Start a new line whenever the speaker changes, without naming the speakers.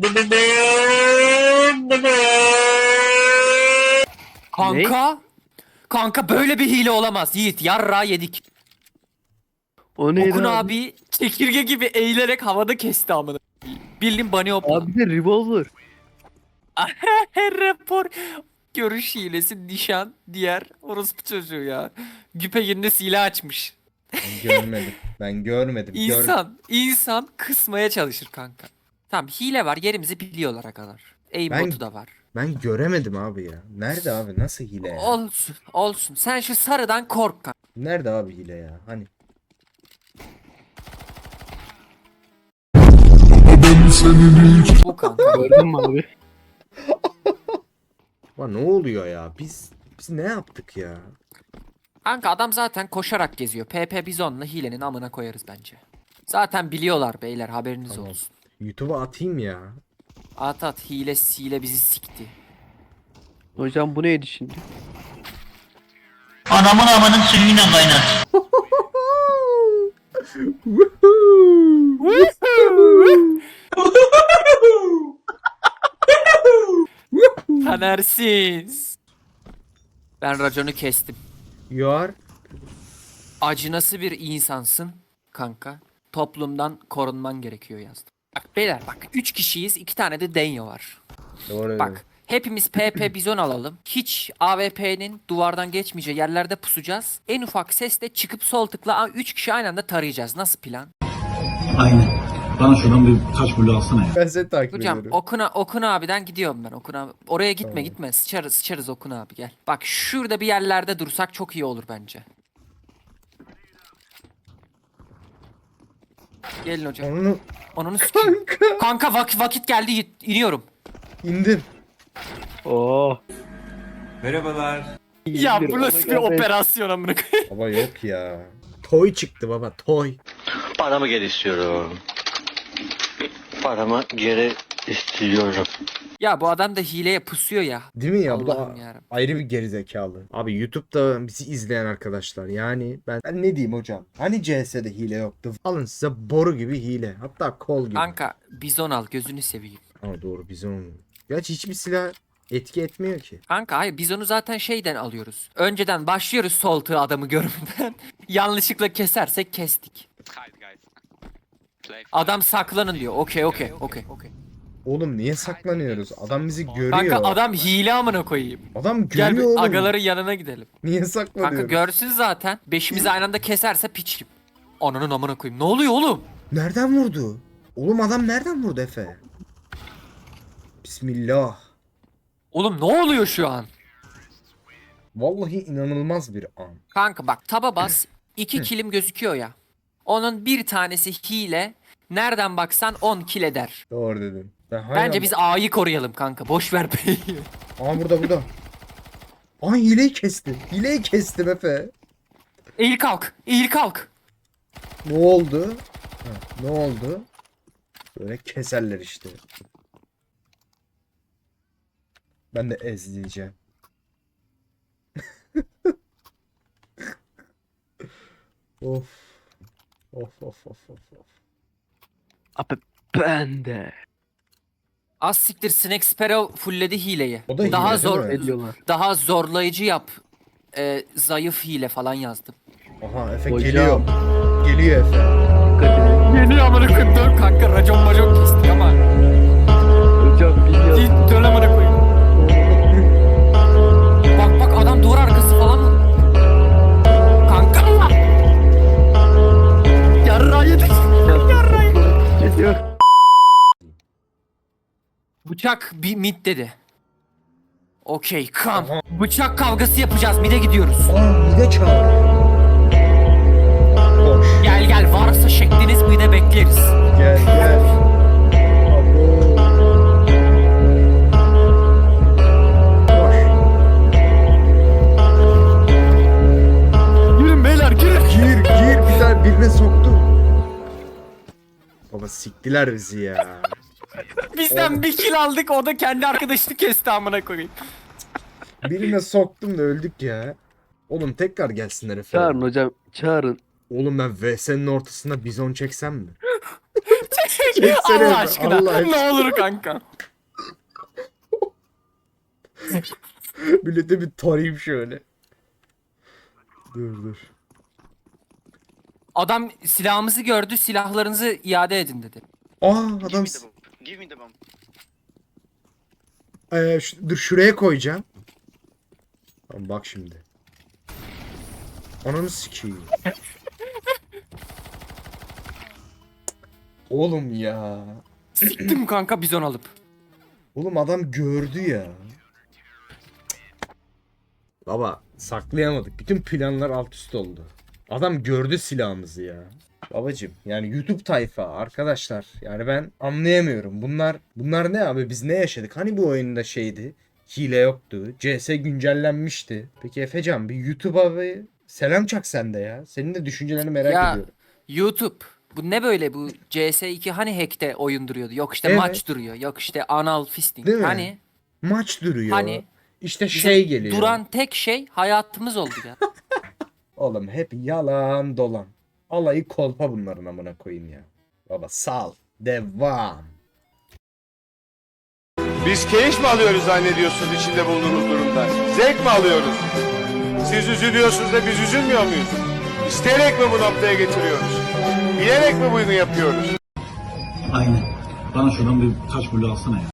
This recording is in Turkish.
Kanka. Kanka böyle bir hile olamaz. Yiğit yarra yedik.
O neydi
Okun
abi?
abi çekirge gibi eğilerek havada kesti amına. Bildim bunny hopla.
Abi de revolver.
Her rapor. Görüş hilesi, nişan, diğer orospu çocuğu ya. Güpe yerine silah açmış.
Ben görmedim. Ben görmedim.
İnsan kısmaya çalışır kanka. Tamam hile var, yerimizi biliyorlar kadar. Aimbotu da var.
Ben göremedim abi ya. Nerede abi? Nasıl hile ya?
Olsun olsun. Sen şu sarıdan kork kanka.
Nerede abi hile ya? Hani?
Bu kanka.
Gördün mü abi?
Lan ne oluyor ya? Biz ne yaptık ya?
Kanka adam zaten koşarak geziyor. PP Bizon'la hilenin amına koyarız bence. Zaten biliyorlar beyler, haberiniz
Tamam.
olsun.
YouTube'a atayım ya.
At hile bizi sikti.
Hocam bu neydi şimdi?
Anamın amanın suyuyla kaynat.
Tanersiz. Ben raconu kestim.
You are?
Acınası bir insansın kanka. Toplumdan korunman gerekiyor yazdım. Bak beyler bak 3 kişiyiz, 2 tane de Denyo var.
Doğru.
Bak hepimiz PP Bizon alalım. Hiç AWP'nin duvardan geçmeyeceği yerlerde pusacağız. En ufak sesle çıkıp sol tıkla 3 kişi aynı anda tarayacağız. Nasıl plan?
Aynen. Bana şuradan bir taş bulu alsana ya.
Ben seni takip
Hocam
ediyorum.
Okun abiden gidiyorum ben. Okun abi. Oraya gitme
Tamam.
gitme. Sıçarız Okun abi gel. Bak şurada bir yerlerde dursak çok iyi olur bence. Gelin hocam.
Onu
Onunu sikeyim. Kanka vakit geldi iniyorum.
indim.
Oo.
Ya bu
İndir,
nasıl bir
Omega beş.
operasyon amına koyayım.
Baba yok ya. Toy çıktı baba toy.
Paramı geri istiyorum. Paramı geri istiyorum.
Ya bu adam da hileye pusuyor ya.
Değil mi ya? Bu da
Allah'ım yarabbim.
ayrı bir gerizekalı. Abi YouTube'da bizi izleyen arkadaşlar yani ben ne diyeyim hocam? Hani CS'de hile yoktu? Alın size boru gibi hile. Hatta kol gibi.
Kanka bizon al gözünü seveyim.
Ama doğru bizon. Gerçi hiçbir silah etki etmiyor ki.
Kanka hayır biz onu zaten şeyden alıyoruz. Önceden başlıyoruz sol tığı adamı görmeden. Yanlışlıkla kesersek kestik. Adam saklanın diyor. Okey.
Oğlum niye saklanıyoruz? Adam bizi görüyor.
Kanka adam hile amına koyayım.
Adam
Gel
görüyor
bir
oğlum.
agaların yanına gidelim.
Niye
Kanka
saklanıyoruz?
görsün zaten. Beşimizi aynı anda keserse piçim. Ananın amına koyayım. Ne oluyor oğlum?
Nereden vurdu? Oğlum adam nereden vurdu Efe? Bismillah.
Oğlum ne oluyor şu an?
Vallahi inanılmaz bir an.
Kanka bak taba bas. 2 kilim gözüküyor ya. Onun bir tanesi hile. Nereden baksan 10 kill eder.
Doğru dedin.
Bence biz A'yı koruyalım kanka. Boş ver B'yi.
Aa burada. Aa hileyi kestim. Hileyi kestim Efe.
Eğil kalk.
Ne oldu? Ha, ne oldu? Böyle keserler işte. Ben de ezleyeceğim. Of. Of.
Abi ben de.
Az siktir Snake Sparrow fullledi hileyi.
O da hile,
Daha
değil
zor
mi?
Ne diyorlar?
daha zorlayıcı yap. Zayıf hile falan yazdım.
Aha Efe
Hocam.
geliyor. Geliyor Efe.
Dikkat edin.
Geliyor amına koyayım dön kanka racon kestik ama.
Hocam biliyorum.
Dön amına koyayım. Bak adam duvar arkası falan mı? Kanka. Yarra yedik.
Geliyor.
Bıçak bir mid dedi. Okey kam.
Aha.
Bıçak kavgası yapacağız mid'e gidiyoruz.
Aa bir de çağır. Koş.
Gel varsa şekliniz mid'e bekleriz.
Gel. Abo. Koş.
Yürün beyler girin.
Gir bir tane birine soktu. Baba siktiler bizi ya.
Bizden bir kill aldık o da kendi arkadaşını kesti amına koyayım.
Birine soktum da öldük ya. Oğlum tekrar gelsinler Efe.
Çağırın hocam. Çağırın.
Oğlum ben VS'nin ortasında bizon çeksem mi? Çeksene
Allah aşkına.
Allah aşkına.
Ne olur kanka.
Millete bir tarayayım şöyle. Dur.
Adam silahımızı gördü. Silahlarınızı iade edin dedi.
Adam
Give me the bomb.
dur şuraya koyacağım. Tamam, bak şimdi. Ananı sikeyim. Oğlum ya.
Siktim kanka bizon alıp.
Oğlum adam gördü ya. Baba saklayamadık. Bütün planlar alt üst oldu. Adam gördü silahımızı ya. Babacım yani YouTube tayfa arkadaşlar. Yani ben anlayamıyorum. Bunlar ne abi? Biz ne yaşadık? Hani bu oyunda şeydi? Hile yoktu. CS güncellenmişti. Peki Efecan bir YouTube'a bir selam çak sen de ya. Senin de düşüncelerini merak
Ya
ediyorum.
YouTube. Bu ne böyle bu CS2 hani hack'te oyun duruyordu. Yok işte
Evet.
maç duruyor. Yok işte anal fisting.
Değil mi?
Hani
Maç duruyor.
Hani
işte
bizim
şey geliyor.
duran tek şey hayatımız oldu ya.
Oğlum hep yalan dolan. Alayı kolpa bunların amına koyayım ya. Baba sal. Devam.
Biz keyif mi alıyoruz zannediyorsunuz içinde bulunduğumuz durumda? Zevk mi alıyoruz? Siz üzülüyorsunuz da biz üzülmüyor muyuz? İsteyerek mi bu noktaya getiriyoruz? Bilerek mi bunu yapıyoruz?
Aynen. Bana şuradan bir taş bulu alsana ya.